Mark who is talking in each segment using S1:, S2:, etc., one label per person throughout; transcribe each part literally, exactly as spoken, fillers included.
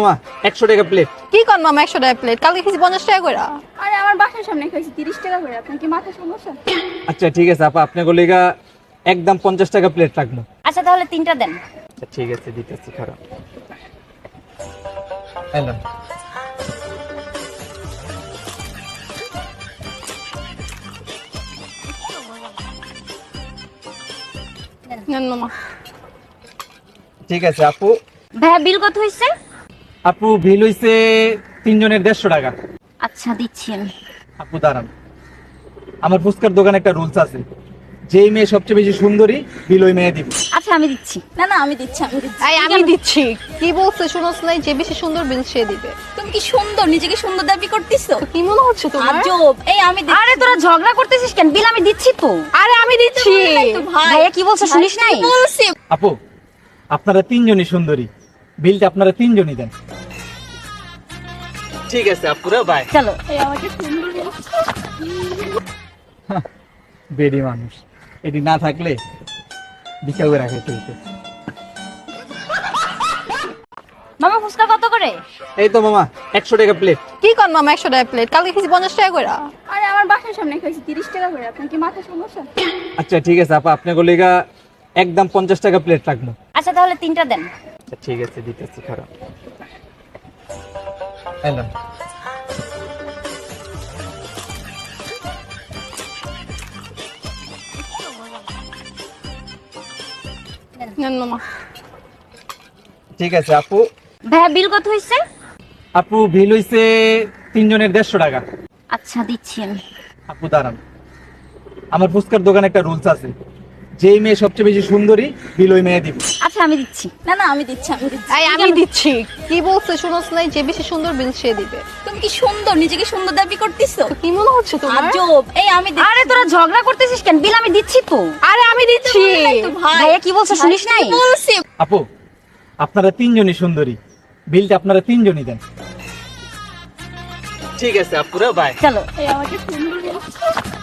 S1: মামা একশো টাকা প্লেট।
S2: কি কর মামা একশো টাকা প্লেট? কালকে খেয়েছি পঞ্চাশ টাকা করে।
S3: আরে আমার বাসার সামনে খাইছি তিরিশ টাকা করে। আপনার কি মাথা সমস্যা?
S1: আচ্ছা ঠিক আছে আপা, আপনার গলিগা একদম পঞ্চাশ টাকা প্লেট রাখবো।
S4: আচ্ছা তাহলে তিনটা দেন।
S1: আচ্ছা ঠিক আছে দিতেছি, খারাপ এলাম।
S2: নেন মামা।
S1: ঠিক আছে আপু।
S4: ভাইয়া বিল কত হয়েছে?
S1: আপু বিল হইছে তিনজনের দেড়শো টাকা।
S4: আচ্ছা দিচ্ছি আমি।
S1: আপু দাঁড়ান, আমার ফুচকার দোকানে একটা রুলস আছে, যেই মেয়ে সবচেয়ে বেশি সুন্দরী বিল ওই মেয়ে দিব।
S4: আচ্ছা আমি দিচ্ছি।
S3: না না আমি দিচ্ছি আমি দিচ্ছি।
S2: এই আমি দিচ্ছি। কি বলছে শুনোস নাই? যে বেশি সুন্দর বিল সে দিবে।
S3: তুমি কি সুন্দর, নিজেকে সুন্দর দাবি করতেছো?
S2: কি মনে হচ্ছে তোমার?
S3: আজব। এই আমি দিচ্ছি।
S4: আরে তোরা ঝগড়া করতেছিস কেন? বিল আমি দিচ্ছি তো।
S2: আরে আমি দিচ্ছি।
S3: তো ভাই
S4: ভাইয়া কি বলছে শুনিস নাই?
S3: কি বলছি?
S1: আপু আপনারা তিনজনই সুন্দরী, বিলটা আপনারা তিনজনই দেন। ঠিক আছে আপুরা, বাই।
S4: চলো।
S3: এই আমাকে সুন্দর বলছে।
S1: বেডি মানুষ, এটি না থাকলে বিকাল করে রাখে চলতে।
S4: মামা ফুচকা কত করে?
S1: এই তো মামা একশো টাকা প্লেট।
S2: কি কর মামা একশো টাকা প্লেট? কালকে খেয়েছি পঞ্চাশ টাকা করে।
S3: আরে আমার বাসার সামনে খাইছি তিরিশ টাকা করে। আপনার কি মাথা সমস্যা?
S1: আচ্ছা ঠিক আছে আপা, আপনার গলিগা একদম পঞ্চাশ টাকা প্লেট রাখবো।
S4: আচ্ছা তাহলে তিনটা দেন।
S1: আচ্ছা ঠিক আছে দিতেছি, খারাপ এলাম।
S2: নেন মামা।
S1: ঠিক আছে আপু।
S4: ভাইয়া বিল কত হয়েছে?
S1: আপু বিল হইছে তিনজনের দেড়শো টাকা।
S4: আচ্ছা দিচ্ছি আমি।
S1: আপু দাঁড়ান, আমার ফুচকার দোকানে একটা রুলস আছে, যেই মেয়ে সবচেয়ে বেশি সুন্দরী বিল ওই মেয়ে দিব।
S4: আচ্ছা আমি দিচ্ছি।
S3: না না আমি দিচ্ছি আমি দিচ্ছি।
S2: এই আমি দিচ্ছি। কি বলছে শুনোস নাই? যে বেশি সুন্দর বিল সে দিবে।
S3: তুমি কি সুন্দর, নিজেকে সুন্দর দাবি করতেছো?
S2: কি মনে হচ্ছে তোমার?
S3: আজব। এই আমি দিচ্ছি।
S4: আরে তোরা ঝগড়া করতেছিস কেন? বিল আমি দিচ্ছি তো।
S2: আরে আমি দিচ্ছি।
S3: তো ভাই
S4: ভাইয়া কি বলছে শুনিস নাই?
S3: কি বলছি?
S1: আপু আপনারা তিনজনই সুন্দরী, বিলটা আপনারা তিনজনই দেন। ঠিক আছে আপুরা, বাই।
S4: চলো।
S3: এই আমাকে সুন্দর বলছে।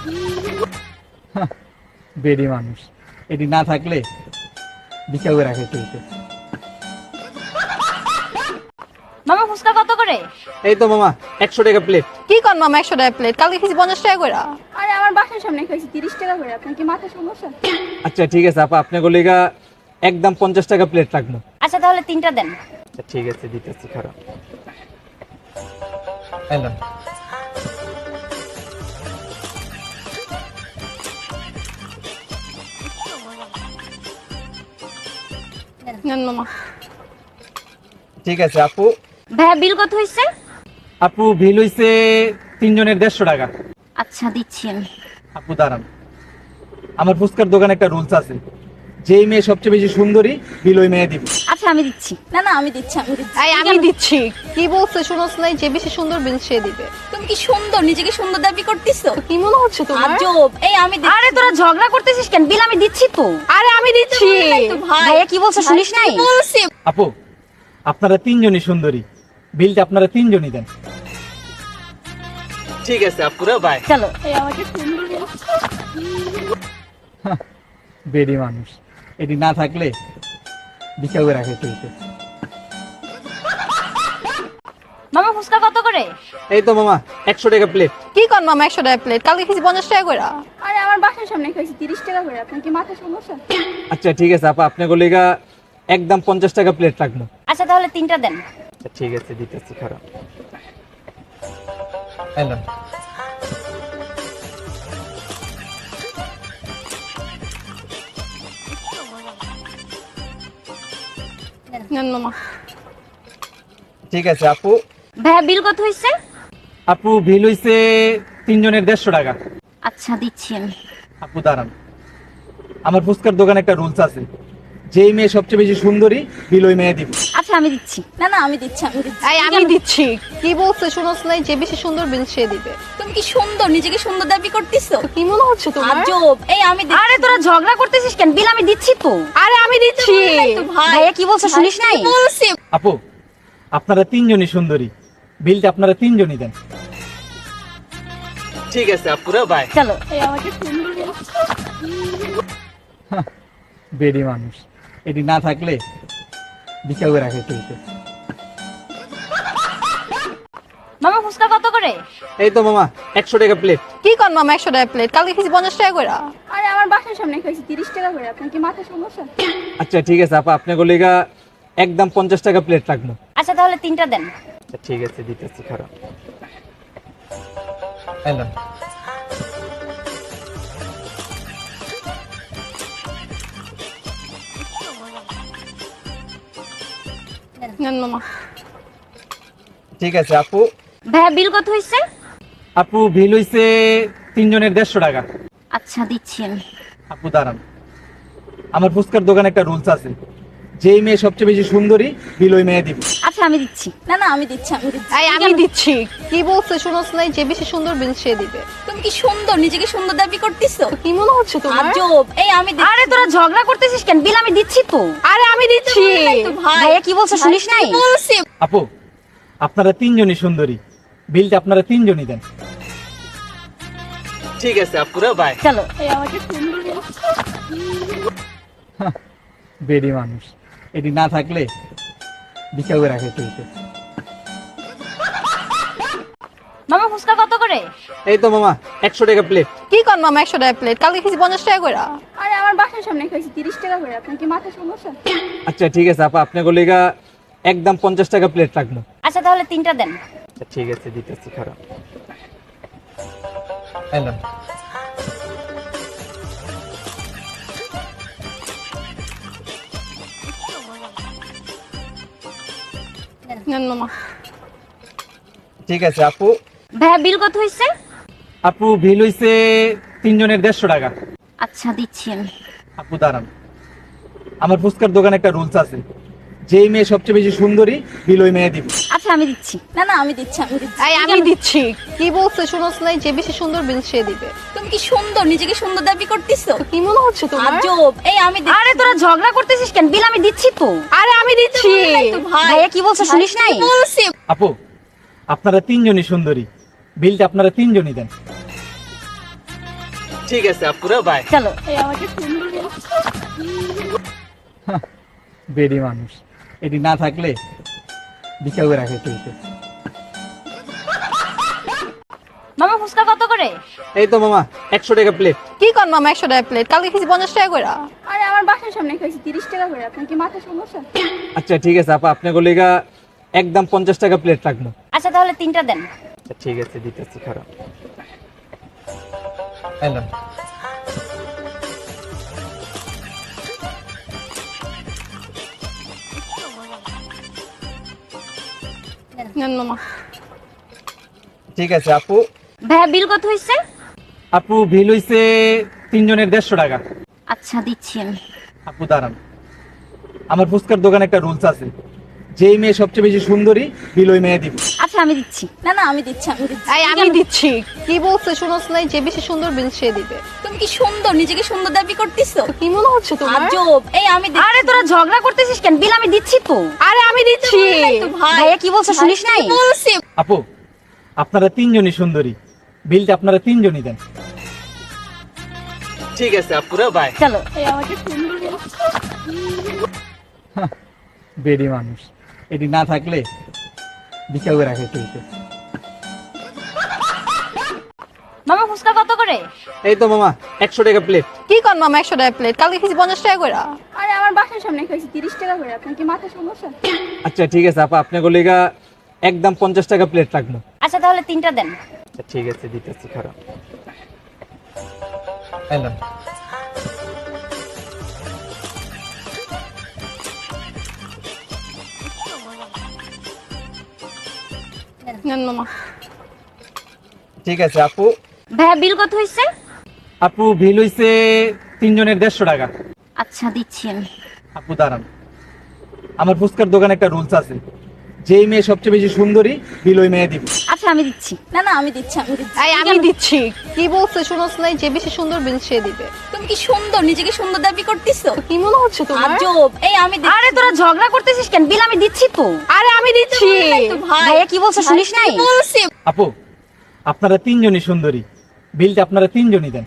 S1: বেডি মানুষ, এটি না থাকলে বিকাল করে রাখে চলতে।
S4: মামা ফুচকা কত করে?
S1: এই তো মামা একশো টাকা প্লেট।
S2: কি কর মামা একশো টাকা প্লেট? কালকে খেয়েছি পঞ্চাশ টাকা করে।
S3: আরে আমার বাসার সামনে খাইছি তিরিশ টাকা করে। আপনার কি মাথা সমস্যা?
S1: আচ্ছা ঠিক আছে আপা, আপনার গলিগা একদম পঞ্চাশ টাকা প্লেট রাখবো।
S4: আচ্ছা তাহলে তিনটা দেন।
S1: আচ্ছা ঠিক আছে দিতেছি, খারাপ এলাম।
S2: নেন মামা।
S1: ঠিক আছে আপু।
S4: ভাইয়া বিল কত হয়েছে?
S1: আপু বিল হইছে তিনজনের দেড়শো টাকা।
S4: আচ্ছা দিচ্ছি আমি।
S1: আপু দাঁড়ান, আমার ফুচকার দোকানে একটা রুলস আছে, যেই মেয়ে সবচেয়ে বেশি সুন্দরী বিল ওই মেয়ে দিব।
S4: আচ্ছা আমি দিচ্ছি।
S3: না না আমি দিচ্ছি আমি দিচ্ছি।
S2: এই আমি দিচ্ছি। কি বলছে শুনোস নাই? যে বেশি সুন্দর বিল সে দিবে।
S3: তুমি কি সুন্দর, নিজেকে সুন্দর দাবি করতেছো?
S2: কি মনে হচ্ছে তোমার?
S3: আজব। এই আমি দিচ্ছি।
S4: আরে তোরা ঝগড়া করতেছিস কেন? বিল আমি দিচ্ছি তো।
S2: আরে আমি দিচ্ছি।
S3: তো ভাই
S4: ভাইয়া কি বলছে শুনিস নাই?
S3: কি বলছি?
S1: আপু আপনারা তিনজনই সুন্দরী, বিলটা আপনারা তিনজনই দেন। ঠিক আছে আপুরা, বাই।
S4: চলো।
S3: এই আমাকে সুন্দর বলছে।
S1: বেডি মানুষ, এটি না থাকলে বিকাল করে রাখে চলতে।
S4: মামা ফুচকা কত করে?
S1: এই তো মামা একশো টাকা প্লেট।
S2: কি কর মামা একশো টাকা প্লেট? কালকে খেয়েছি পঞ্চাশ টাকা করে।
S3: আরে আমার বাসার সামনে খাইছি তিরিশ টাকা করে। আপনার কি মাথা সমস্যা?
S1: আচ্ছা ঠিক আছে আপা, আপনার গলিগা একদম পঞ্চাশ টাকা প্লেট রাখবো।
S4: আচ্ছা তাহলে তিনটা দেন।
S1: আচ্ছা ঠিক আছে দিতেছি, খারাপ এলাম।
S2: নেন মামা।
S1: ঠিক আছে আপু।
S4: ভাইয়া বিল কত হয়েছে?
S1: আপু বিল হইছে তিনজনের দেড়শো টাকা।
S4: আচ্ছা দিচ্ছি আমি।
S1: আপু দাঁড়ান, আমার ফুচকার দোকানে একটা রুলস আছে, যেই মেয়ে সবচেয়ে বেশি সুন্দরী বিল ওই মেয়ে দিব।
S4: আচ্ছা আমি দিচ্ছি।
S3: না না আমি দিচ্ছি আমি দিচ্ছি।
S2: এই আমি দিচ্ছি। কি বলছে শুনোস নাই? যে বেশি সুন্দর বিল সে দিবে।
S3: তুমি কি সুন্দর, নিজেকে সুন্দর দাবি করতেছো?
S2: কি মনে হচ্ছে তোমার?
S3: আজব। এই আমি দিচ্ছি।
S4: আরে তোরা ঝগড়া করতেছিস কেন? বিল আমি দিচ্ছি তো।
S2: আরে আমি দিচ্ছি।
S3: তো ভাই
S4: ভাইয়া কি বলছে শুনিস নাই?
S3: কি বলছি?
S1: আপু আপনারা তিনজনই সুন্দরী, বিলটা আপনারা তিনজনই দেন। ঠিক আছে আপুরা, বাই।
S4: চলো।
S3: এই আমাকে সুন্দর বলছে।
S1: বেডি মানুষ, এটি না থাকলে বিকাল করে রাখে চলতে।
S4: মামা ফুচকা কত করে?
S1: এই তো মামা একশো টাকা প্লেট।
S2: কি কর মামা একশো টাকা প্লেট, কালকে খেয়েছি পঞ্চাশ টাকা করে।
S3: আরে আমার বাসার সামনে খাইছি তিরিশ টাকা করে, আপনার কি মাথা সমস্যা?
S1: আচ্ছা ঠিক আছে আপা, আপনার গলিগা একদম পঞ্চাশ টাকা প্লেট রাখবো।
S4: আচ্ছা তাহলে তিনটা দেন।
S1: আচ্ছা ঠিক আছে দিতেছি, খারাপ এলাম।
S2: নেন মামা।
S1: ঠিক আছে আপু।
S4: ভাইয়া বিল কত হয়েছে?
S1: আপু বিল হইছে তিনজনের দেড়শো টাকা।
S4: আচ্ছা দিচ্ছি আমি।
S1: আপু দাঁড়ান, আমার ফুচকার দোকানে একটা রুলস আছে, যেই মেয়ে সবচেয়ে বেশি সুন্দরী বিল ওই মেয়ে দিব।
S4: আচ্ছা আমি দিচ্ছি।
S3: না না আমি দিচ্ছি আমি দিচ্ছি।
S2: এই আমি দিচ্ছি। কি বলছে শুনোস নাই, যে বেশি সুন্দর বিল সে দিবে।
S3: তুমি কি সুন্দর, নিজেকে সুন্দর দাবি করতেছো?
S2: কি মনে হচ্ছে তোমার?
S3: আজব। এই আমি দিচ্ছি।
S4: আরে তোরা ঝগড়া করতেছিস কেন? বিল আমি দিচ্ছি তো।
S2: আরে আমি দিচ্ছি।
S3: তো ভাই
S4: ভাইয়া কি বলছে শুনিস নাই?
S3: বলছি।
S1: আপু আপনারা তিনজনই সুন্দরী, বিলটা আপনারা তিনজনই দেন। ঠিক আছে আপুরা, বাই।
S4: চলো।
S3: এই আমাকে সুন্দর বলছে।
S1: বেডি মানুষ, এটি না থাকলে বিকা করে রাখে চলতে।
S4: মামা ফুচকা কত করে?
S1: এই তো মামা একশো টাকা প্লেট।
S2: কি কর মামা একশো টাকা প্লেট, কালকে খেয়েছি পঞ্চাশ টাকা করে।
S3: আরে আমার বাসার সামনে খাইছি তিরিশ টাকা করে, আপনার কি মাথা সমস্যা?
S1: আচ্ছা ঠিক আছে আপা, আপনার গলিগা একদম পঞ্চাশ টাকা প্লেট রাখবো।
S4: আচ্ছা তাহলে তিনটা দেন।
S1: আচ্ছা ঠিক আছে দিতেছি, খারাপ এলাম।
S2: নেন মামা।
S1: ঠিক আছে আপু।
S4: ভাইয়া বিল কত হয়েছে?
S1: আপু বিল হইছে তিনজনের দেড়শো টাকা।
S4: আচ্ছা দিচ্ছি আমি।
S1: আপু দাঁড়ান, আমার ফুচকার দোকানে একটা রুলস আছে, যেই মেয়ে সবচেয়ে বেশি সুন্দরী বিল ওই মেয়ে দিব।
S4: আচ্ছা আমি দিচ্ছি।
S3: না না আমি দিচ্ছি আমি দিচ্ছি।
S2: এই আমি দিচ্ছি। কি বলছে শুনোস নাই, যে বেশি সুন্দর বিল সে দিবে।
S3: তুমি কি সুন্দর, নিজেকে সুন্দর দাবি করতেছো?
S2: কি মনে হচ্ছে তোমার?
S3: আজব। এই আমি দিচ্ছি।
S4: আরে তোরা ঝগড়া করতেছিস কেন? বিল আমি দিচ্ছি তো।
S2: আরে আমি দিচ্ছি।
S3: তো ভাই
S4: ভাইয়া কি বলছে শুনিস নাই?
S3: বলছি।
S1: আপু আপনারা তিনজনই সুন্দরী, বিলটা আপনারা তিনজনই দেন। ঠিক আছে আপুরা, বাই।
S4: চলো।
S3: এই আমাকে সুন্দর বলছে।
S1: বেডি মানুষ, এটি না থাকলে বিকা করে রাখে চলতে।
S4: মামা ফুচকা কত করে?
S1: এই তো মামা একশো টাকা প্লেট।
S2: কি কর মামা একশো টাকা প্লেট, কালকে খেয়েছি পঞ্চাশ টাকা করে।
S3: আরে আমার বাসার সামনে খাইছি তিরিশ টাকা করে, আপনার কি মাথা সমস্যা?
S1: আচ্ছা ঠিক আছে আপা, আপনার গলিগা একদম পঞ্চাশ টাকা প্লেট রাখবো।
S4: আচ্ছা তাহলে তিনটা দেন।
S1: আচ্ছা ঠিক আছে দিতেছি, খারাপ এলাম।
S2: নেন মামা।
S1: ঠিক আছে আপু।
S4: ভাইয়া বিল কত হয়েছে?
S1: আপু বিল হইছে তিনজনের দেড়শো টাকা।
S4: আচ্ছা দিচ্ছি আমি।
S1: আপু দাঁড়ান, আমার ফুচকার দোকানে একটা রুলস আছে, যেই মেয়ে সবচেয়ে বেশি সুন্দরী বিল ওই মেয়ে দিব।
S4: আচ্ছা আমি দিচ্ছি।
S3: না না আমি দিচ্ছি আমি দিচ্ছি।
S2: এই আমি দিচ্ছি। কি বলছে শুনোস নাই, যে বেশি সুন্দর বিল সে দিবে।
S3: তুমি কি সুন্দর, নিজেকে সুন্দর দাবি করতেছো?
S2: কি মনে হচ্ছে তোমার?
S3: আজব। এই আমি দিচ্ছি।
S4: আরে তোরা ঝগড়া করতেছিস কেন? বিল আমি দিচ্ছি তো।
S2: আরে আমি দিচ্ছি।
S3: তো ভাই
S4: ভাইয়া কি বলছে শুনিস নাই?
S3: বলছি।
S1: আপু আপনারা তিনজনই সুন্দরী, বিলটা আপনারা তিনজনই দেন। ঠিক আছে আপুরা, বাই।
S4: চলো।
S3: এই আমাকে সুন্দর বলছে।
S1: বেডি মানুষ, এটি না থাকলে বিকা করে রাখে চলতে।
S4: মামা ফুচকা কত করে?
S1: এই তো মামা একশো টাকা প্লেট।
S2: কি কর মামা একশো টাকা প্লেট, কালকে খেয়েছি পঞ্চাশ টাকা করে।
S3: আরে আমার বাসার সামনে খাইছি তিরিশ টাকা করে, আপনার কি মাথা সমস্যা?
S1: আচ্ছা ঠিক আছে আপা, আপনার গলিগা একদম পঞ্চাশ টাকা প্লেট রাখবো।
S4: আচ্ছা তাহলে তিনটা দেন।
S1: আচ্ছা ঠিক আছে দিতেছি, খারাপ এলাম।
S2: নেন মামা।
S1: ঠিক আছে আপু।
S4: ভাইয়া বিল কত হয়েছে?
S1: আপু বিল হইছে তিনজনের দেড়শো টাকা।
S4: আচ্ছা দিচ্ছি আমি।
S1: আপু দাঁড়ান, আমার ফুচকার দোকানে একটা রুলস আছে, যেই মেয়ে সবচেয়ে বেশি সুন্দরী বিল ওই মেয়ে দিব।
S4: আচ্ছা আমি দিচ্ছি।
S3: না না আমি দিচ্ছি আমি দিচ্ছি।
S2: এই আমি দিচ্ছি। কি বলছে শুনোস নাই, যে বেশি সুন্দর বিল সে দিবে।
S3: তুমি কি সুন্দর, নিজেকে সুন্দর দাবি করতেছো?
S2: কি মনে হচ্ছে তোমার?
S3: আজব। এই আমি দিচ্ছি।
S4: আরে তোরা ঝগড়া করতেছিস কেন? বিল আমি দিচ্ছি তো।
S2: আরে আমি দিচ্ছি।
S3: তো ভাই
S4: ভাইয়া কি বলছে শুনিস নাই?
S3: বলছি।
S1: আপু আপনারা তিনজনই সুন্দরী, বিলটা আপনারা তিনজনই দেন।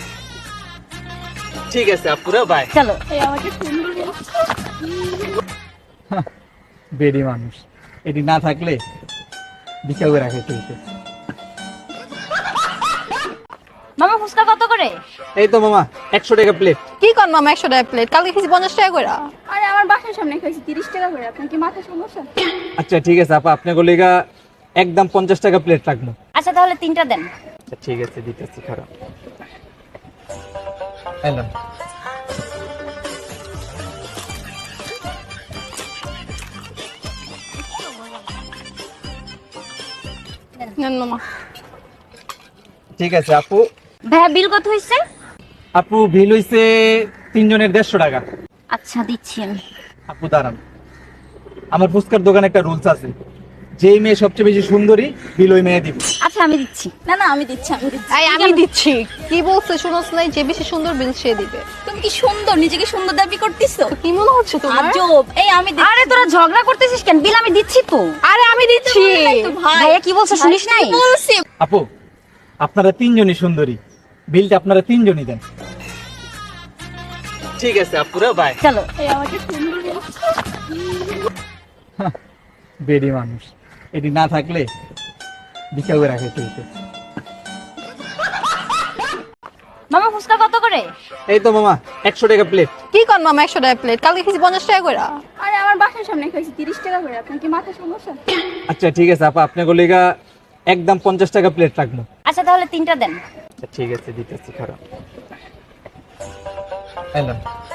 S1: ঠিক আছে আপুরা, বাই।
S4: চলো।
S3: এই আমাকে সুন্দর বলছে।
S1: বেডি মানুষ, এটি না থাকলে বিকাল করে রাখাইতে হইতে।
S4: মামা ফুচকা কত করে?
S1: এই তো মামা একশো টাকা প্লেট।
S2: কি কর মামা একশো টাকা প্লেট, কালকে খেয়েছি পঞ্চাশ টাকা করে।
S3: আরে আমার বাসার সামনে খাইছি তিরিশ টাকা করে, আপনার কি মাথা সমস্যা?
S1: আচ্ছা ঠিক আছে আপা, আপনার গলিগা একদম পঞ্চাশ টাকা প্লেট রাখবো।
S4: আচ্ছা তাহলে তিনটা দেন।
S1: আচ্ছা ঠিক আছে দিতেছি, খারাপ এলাম।
S2: নেন মামা।
S1: ঠিক আছে আপু।
S4: ভাইয়া বিল কত হয়েছে?
S1: আপু বিল হইছে তিনজনের দেড়শো টাকা।
S4: আচ্ছা দিচ্ছি আমি।
S1: আপু দাঁড়ান, আমার ফুচকার দোকানে একটা রুলস আছে, যেই মেয়ে সবচেয়ে বেশি সুন্দরী বিল ওই মেয়ে দিব।
S4: আচ্ছা আমি দিচ্ছি।
S3: না না আমি দিচ্ছি আমি দিচ্ছি।
S2: এই আমি দিচ্ছি। কি বলছে শুনোস নাই, যে বেশি সুন্দর বিল সে দিবে।
S3: তুমি কি সুন্দর, নিজেকে সুন্দর দাবি করতেছো?
S2: কি মনে হচ্ছে তোমার?
S3: আজব। এই আমি দিচ্ছি।
S4: আরে তোরা ঝগড়া করতেছিস কেন? বিল আমি দিচ্ছি তো।
S2: আরে আমি দিচ্ছি।
S3: তো ভাই
S4: ভাইয়া কি বলছে শুনিস নাই?
S3: বলছি।
S1: আপু আপনারা তিনজনই সুন্দরী, বিলটা আপনারা তিনজনই দেন। ঠিক আছে আপুরা, বাই।
S4: চলো।
S3: এই আমাকে সুন্দর বলছে।
S1: বেডি মানুষ, এটি না থাকলে বিকাল করে রাখাইতে হইতে।
S4: মামা ফুচকা কত করে?
S1: এই তো মামা একশো টাকা প্লেট।
S2: কি কর মামা একশো টাকা প্লেট, কালকে খেয়েছি পঞ্চাশ টাকা করে।
S3: আরে আমার বাসার সামনে খাইছি তিরিশ টাকা করে, আপনার কি মাথা সমস্যা?
S1: আচ্ছা ঠিক আছে আপা, আপনার গলিগা একদম পঞ্চাশ টাকা প্লেট রাখবো।
S4: আচ্ছা তাহলে তিনটা দেন।
S1: আচ্ছা ঠিক আছে দিতেছি, খারাপ এলাম।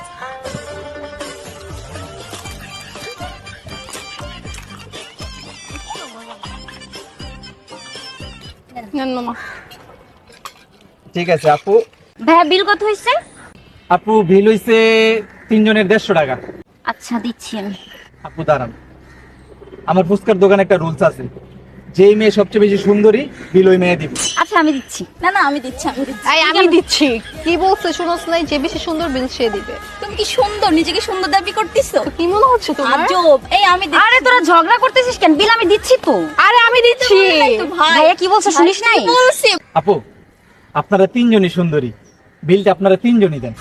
S2: নেন মামা।
S1: ঠিক আছে আপু।
S4: ভাইয়া বিল কত হয়েছে?
S1: আপু বিল হইছে তিনজনের দেড়শো টাকা।
S4: আচ্ছা দিচ্ছি আমি।
S1: আপু দাঁড়ান, আমার ফুচকার দোকানে একটা রুলস আছে, যেই মেয়ে সবচেয়ে বেশি সুন্দরী বিল ওই মেয়ে দিব।
S4: আচ্ছা আমি দিচ্ছি।
S3: না না আমি দিচ্ছি আমি দিচ্ছি।
S2: এই আমি দিচ্ছি। কি বলছে শুনোস নাই, যে বেশি সুন্দর বিল সে দিবে।
S3: তুমি কি সুন্দর, নিজেকে সুন্দর দাবি করতেছো?
S2: কি মনে হচ্ছে তোমার?
S3: আজব। এই আমি দিচ্ছি।
S4: আরে তোরা ঝগড়া করতেছিস কেন? বিল আমি দিচ্ছি তো।
S2: আরে আমি দিচ্ছি।
S3: তো ভাই
S4: ভাইয়া কি বলছে শুনিস নাই?
S3: বলছি।
S1: আপু আপনারা তিনজনই সুন্দরী, বিলটা আপনারা তিনজনই দেন।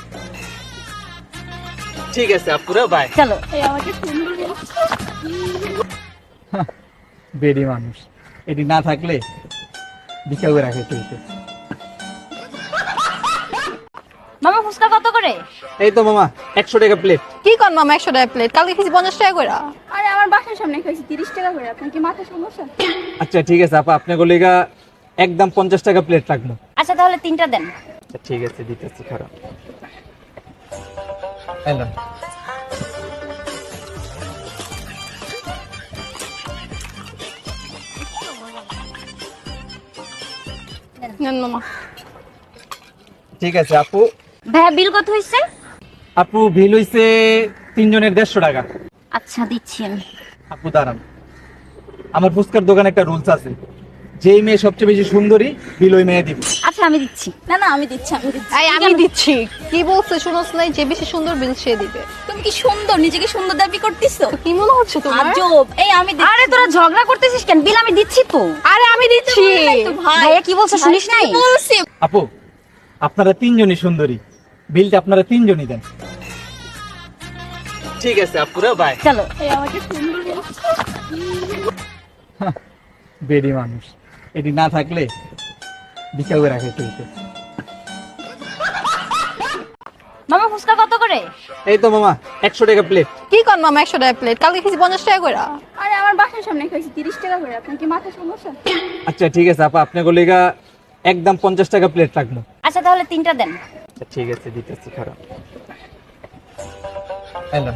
S1: ঠিক আছে আপুরা, বাই।
S4: চলো।
S3: এই আমাকে সুন্দর বলছে।
S1: বেডি মানুষ, এটি না থাকলে বিকাল করে রাখাইতে হইতে।
S4: মামা ফুচকা কত করে?
S1: এই তো মামা একশো টাকা প্লেট।
S2: কি কর মামা একশো টাকা প্লেট, কালকে খেয়েছি পঞ্চাশ টাকা করে।
S3: আরে আমার বাসার সামনে খাইছি তিরিশ টাকা করে, আপনার কি মাথা সমস্যা?
S1: আচ্ছা ঠিক আছে আপা, আপনার গলিগা একদম পঞ্চাশ টাকা প্লেট রাখবো।
S4: আচ্ছা তাহলে তিনটা দেন।
S1: আচ্ছা ঠিক আছে দিতেছি, খারাপ এলাম।
S2: নেন মামা।
S1: ঠিক আছে আপু।
S4: ভাইয়া বিল কত হয়েছে?
S1: আপু বিল হইছে তিনজনের দেড়শো টাকা।
S4: আচ্ছা দিচ্ছি আমি।
S1: আপু দাঁড়ান, আমার ফুচকার দোকানে একটা রুলস আছে, যেই মেয়ে সবচেয়ে বেশি সুন্দরী বিল ওই মেয়ে দিব।
S4: আচ্ছা আমি দিচ্ছি।
S3: না না আমি দিচ্ছি আমি দিচ্ছি।
S2: এই আমি দিচ্ছি। কি বলছে শুনোস নাই, যে বেশি সুন্দর বিল সে দিবে।
S3: তুমি কি সুন্দর, নিজেকে সুন্দর দাবি করতেছো?
S2: কি মনে হচ্ছে তোমার?
S3: আজব। এই আমি দিচ্ছি।
S4: আরে তোরা ঝগড়া করতেছিস কেন? বিল আমি দিচ্ছি তো।
S2: আরে আমি দিচ্ছি।
S3: তো ভাই
S4: ভাইয়া কি বলছে শুনিস নাই?
S3: বলছি।
S1: আপু আপনারা তিনজনই সুন্দরী, বিলটা আপনারা তিনজনই দেন। ঠিক আছে আপুরা, বাই।
S4: চলো।
S3: এই আমাকে সুন্দর বলছে।
S1: বেডি মানুষ, এটি না থাকলে বিকাল করে রাখাইতে হইতে।
S4: মামা ফুচকা কত করে?
S1: এই তো মামা একশো টাকা প্লেট।
S2: কি কর মামা একশো টাকা প্লেট, কালকে খেয়েছি পঞ্চাশ টাকা করে।
S3: আরে আমার বাসার সামনে খাইছি তিরিশ টাকা করে, আপনার কি মাথা সমস্যা?
S1: আচ্ছা ঠিক আছে আপা, আপনার গলিগা একদম পঞ্চাশ টাকা প্লেট রাখবো।
S4: আচ্ছা তাহলে তিনটা দেন।
S1: আচ্ছা ঠিক আছে দিতেছি, খারাপ এলাম।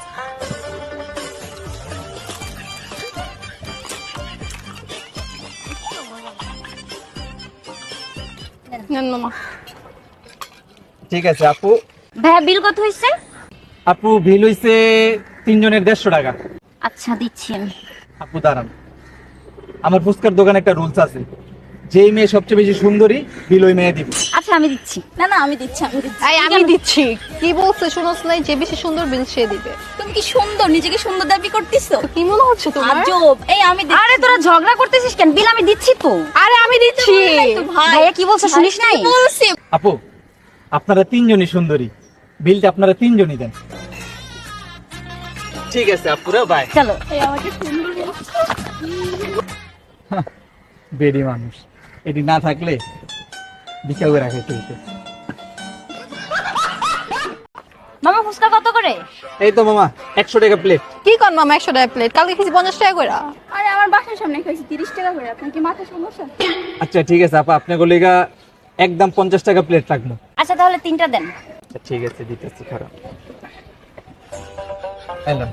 S2: নেন মামা।
S1: ঠিক আছে আপু।
S4: ভাইয়া বিল কত হয়েছে?
S1: আপু বিল হইছে তিনজনের দেড়শো টাকা।
S4: আচ্ছা দিচ্ছি আমি।
S1: আপু দাঁড়ান, আমার ফুচকার দোকানে একটা রুলস আছে, যেই মেয়ে সবচেয়ে বেশি সুন্দরী বিল ওই মেয়ে দিব।
S4: আচ্ছা আমি দিচ্ছি।
S3: না না আমি দিচ্ছি আমি দিচ্ছি।
S2: এই আমি দিচ্ছি। কি বলছে শুনোস নাই, যে বেশি সুন্দর বিল সে দিবে।
S3: তুমি কি সুন্দর, নিজেকে সুন্দর দাবি করতেছো?
S2: কি মনে হচ্ছে তোমার?
S3: আজব। এই আমি দিচ্ছি।
S4: আরে তোরা ঝগড়া করতেছিস কেন? বিল আমি দিচ্ছি তো।
S2: আরে আমি দিচ্ছি।
S3: তো ভাই
S4: ভাইয়া কি বলছে শুনিস নাই?
S3: বলছি।
S1: আপু আপনারা তিনজনই সুন্দরী, বিলটা আপনারা তিনজনই দেন। ঠিক আছে আপুরা, বাই।
S4: চলো।
S3: এই আমাকে সুন্দর বলছে।
S1: বেডি মানুষ, এটি না থাকলে ভিক্ষা করে রাখে তুই।
S4: মামা ফুচকা কত করে?
S1: এই তো মামা একশো টাকা প্লেট।
S2: কি কর মামা একশো টাকা প্লেট, কালকে খেয়েছি পঞ্চাশ টাকা করে।
S3: আরে আমার বাসার সামনে খাইছি তিরিশ টাকা করে, আপনার কি মাথা সমস্যা?
S1: আচ্ছা ঠিক আছে আপা, আপনার গলিগা একদম পঞ্চাশ টাকা প্লেট রাখবো।
S4: আচ্ছা তাহলে তিনটা দেন।
S1: আচ্ছা ঠিক আছে দিতেছি, খারাপ এলাম।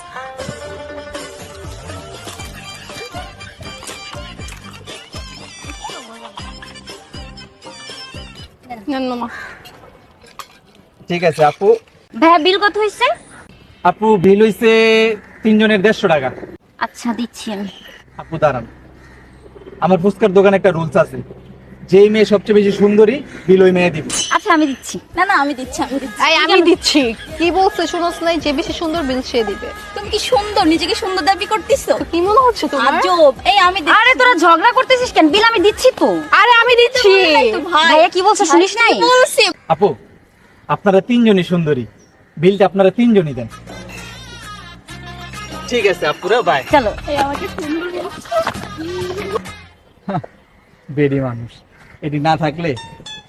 S2: নেন মামা।
S1: ঠিক আছে আপু।
S4: ভাইয়া বিল কত হয়েছে?
S1: আপু বিল হইছে তিনজনের দেড়শো টাকা।
S4: আচ্ছা দিচ্ছি আমি।
S1: আপু দাঁড়ান, আমার ফুচকার দোকানে একটা রুলস আছে, যেই মেয়ে সবচেয়ে বেশি সুন্দরী বিল ওই মেয়ে দিব।
S4: আচ্ছা আমি দিচ্ছি।
S3: না না আমি দিচ্ছি আমি দিচ্ছি।
S2: এই আমি দিচ্ছি। কি বলছে শুনোস নাই, যে বেশি সুন্দর বিল সে দিবে।
S3: তুমি কি সুন্দর, নিজেকে সুন্দর দাবি করতেছো?
S2: কি মনে হচ্ছে তোমার?
S3: আজব। এই আমি দিচ্ছি।
S4: আরে তোরা ঝগড়া করতেছিস কেন? বিল আমি দিচ্ছি তো।
S2: আরে আমি দিচ্ছি।
S3: তো ভাই
S4: ভাইয়া কি বলছে শুনিস নাই?
S3: বলছি।
S1: আপু আপনারা তিনজনই সুন্দরী, বিলটা আপনারা তিনজনই দেন। ঠিক আছে আপুরা, বাই।
S4: চলো।
S3: এই আমাকে সুন্দর বলছে।
S1: বেডি মানুষ, এটি না থাকলে